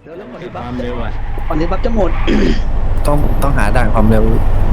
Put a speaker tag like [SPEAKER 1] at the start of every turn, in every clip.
[SPEAKER 1] ดี๋ยวแล้วก่อน
[SPEAKER 2] ค
[SPEAKER 1] ที่บัฟ
[SPEAKER 2] วามเร็วอ่ะ
[SPEAKER 1] ก่อนที่บัฟจะหมด
[SPEAKER 3] ต้องหาด่านความเร็ว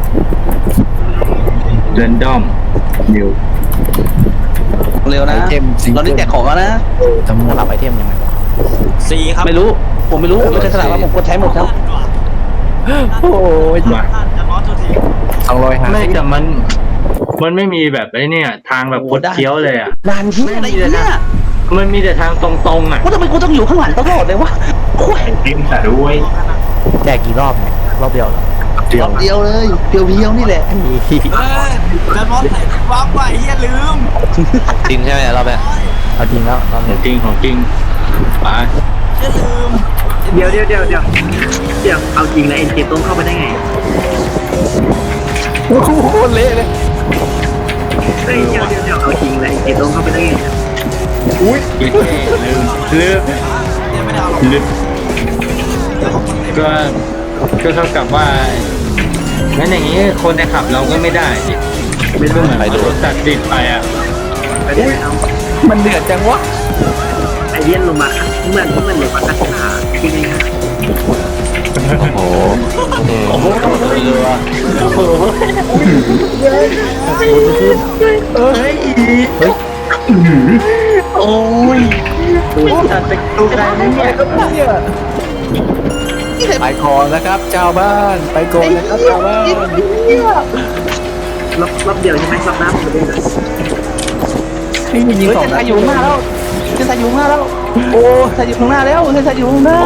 [SPEAKER 2] เรนดอมนิว
[SPEAKER 1] เร็วนะ
[SPEAKER 3] ไอเทมซิง
[SPEAKER 1] เรา
[SPEAKER 3] เกิ
[SPEAKER 1] ได้
[SPEAKER 3] ล
[SPEAKER 1] แจกของแล้วนะ
[SPEAKER 3] ทั้งหมด
[SPEAKER 4] รับไอเทมยังไงวะ
[SPEAKER 5] สี่ครับ
[SPEAKER 1] ไม่รู้ผมไม่รู้ไม่ใช่สนามว่าผมกดใช้หมดครับ
[SPEAKER 3] โอ้ย
[SPEAKER 2] มา
[SPEAKER 5] ท่านจะมอสตัวที
[SPEAKER 3] 250
[SPEAKER 2] ไม่แต่มันไม่มีแบบไอ้เนี่ยทางแบบคดเคี้ยวเลยอ่ะ
[SPEAKER 1] ด่านที่อะไรเนี่ย
[SPEAKER 2] มันมีแต่ทางตรงๆอ่ะ
[SPEAKER 1] ว่าทำไมกูต้องอยู่ข้างหลังตลอดเลยวะโอ้ย
[SPEAKER 2] ติมแต่ด้วย
[SPEAKER 4] แจกกี่รอบเนี่ยรอบเดียวเหรอ
[SPEAKER 3] เดี
[SPEAKER 1] ร
[SPEAKER 3] ยว
[SPEAKER 1] อบเดียวเลยเพียวๆนี่แหละ
[SPEAKER 5] จะมอสใส่วับไปเฮียลืม
[SPEAKER 4] จริงใช่ไหมรอบเนี้ยเอาจริงแล้วรอบ
[SPEAKER 2] ขอ
[SPEAKER 4] นี้
[SPEAKER 2] งจริงของจริงไป
[SPEAKER 5] เฮียลืม
[SPEAKER 6] เดี๋ยวเอาจริงแล้วเอ็นเจต้นเข้าไปได้ไง
[SPEAKER 3] โอ้โหโคตรเละเลย
[SPEAKER 6] เฮ้ยเดี๋ยวเอาจริงแล้วเอ็นเจต้นเข้าไปได้ไง
[SPEAKER 2] กินลืม
[SPEAKER 5] ยังไม่ได้เอา
[SPEAKER 2] ลืมก็เท่ากับว่างั้นอย่างนี้คนในขับเราก็ไม่ได้ดิ
[SPEAKER 6] ไม่ได้
[SPEAKER 2] ก็เหมือนรถตัดติดไปอ่ะ
[SPEAKER 6] ไปได้เอา
[SPEAKER 3] มันเดือดจังวะ
[SPEAKER 6] ไอเดียนลงมาเหมือนลงมาคาถาที่นี่ครับ
[SPEAKER 4] โอ้โหโอ้โหเรือ
[SPEAKER 1] โอ้ยจัดไปดูกันเนี่ย
[SPEAKER 3] ไปก่อนนะครับเจ้าบ้านไปก่อนนะครับเจ้าบ้าน
[SPEAKER 6] รอบเดียวใช่ไหมรอบหน้าผมเล่นนะ
[SPEAKER 3] นี่มียิง
[SPEAKER 1] เฮ้ย
[SPEAKER 3] สอง
[SPEAKER 1] เซน
[SPEAKER 3] นั
[SPEAKER 1] ไซ
[SPEAKER 3] ด
[SPEAKER 1] อยู่ข้างหน้าแล้วเซนไซอยู่ข้างหน้าแล้วโอ้เซนไซอยู่ข้างหน้าแล้วเซนไซอยู่ข้างหน้า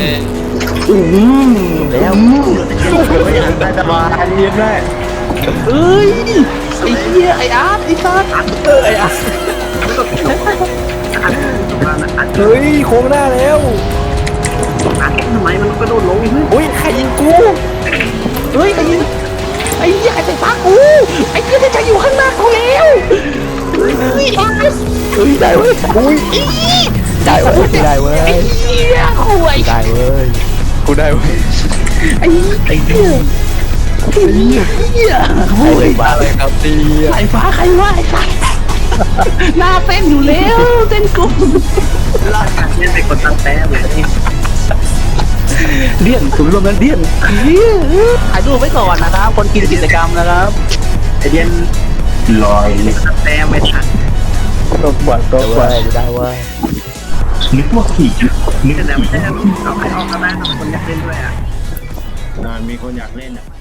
[SPEAKER 1] แล้ว
[SPEAKER 2] แต่สบายดีแม่
[SPEAKER 1] เอ้ยไอ้เหี้ยไอ้อาร์ตไอ้ซัดไอ้อาร์ต
[SPEAKER 6] อัด
[SPEAKER 3] เฮ้ยโค้งหน้าแล้ว
[SPEAKER 6] ทำไมมันกระโดดลงเฮ้ย
[SPEAKER 3] อุ้ยใครยิงกู
[SPEAKER 1] เฮ้ยไอ้เหี้ยไอ้เหี้ยไอ้ไฟฟ้ากูไอ้เหี้ยเซนไซอยู่ข้างหน้ากูแล้วเฮ้ยอาร์ตเฮ้ยได้เว้ย
[SPEAKER 3] อุ้ยได้เว้ยได้เว้ย
[SPEAKER 1] ไอ้เหี้ยคุย
[SPEAKER 3] ได้เว้ยกูได้เว้ย
[SPEAKER 1] ไอ้เหี้ยไอ้เหี้ยคุย
[SPEAKER 3] มาเลยครับดี
[SPEAKER 1] สายฟ้าใครวะไอ้สัสหน้าเต้นอยู่แล้วเต้นกลุ่ม
[SPEAKER 6] เล่นไปกดตั้งแต้มเลย
[SPEAKER 1] เลี่ยนถึงรวมนั้นเลี่ยนถ่ายรูปไว้ก่อนนะครับคนกินกิจกรรมนะครับ
[SPEAKER 6] ไอเดียน
[SPEAKER 2] ลอย
[SPEAKER 6] ตั้งแต้มไม่ทัน
[SPEAKER 3] ตัวบวชตัวบวช
[SPEAKER 4] ได้เว้ย
[SPEAKER 2] นึกว่าขี่นึก
[SPEAKER 6] แต่ไม่ใช่เอาใครออกก็ได้คนอยากเล่นด้วยอ่ะ
[SPEAKER 2] มีคนอยากเล่นอ่ะ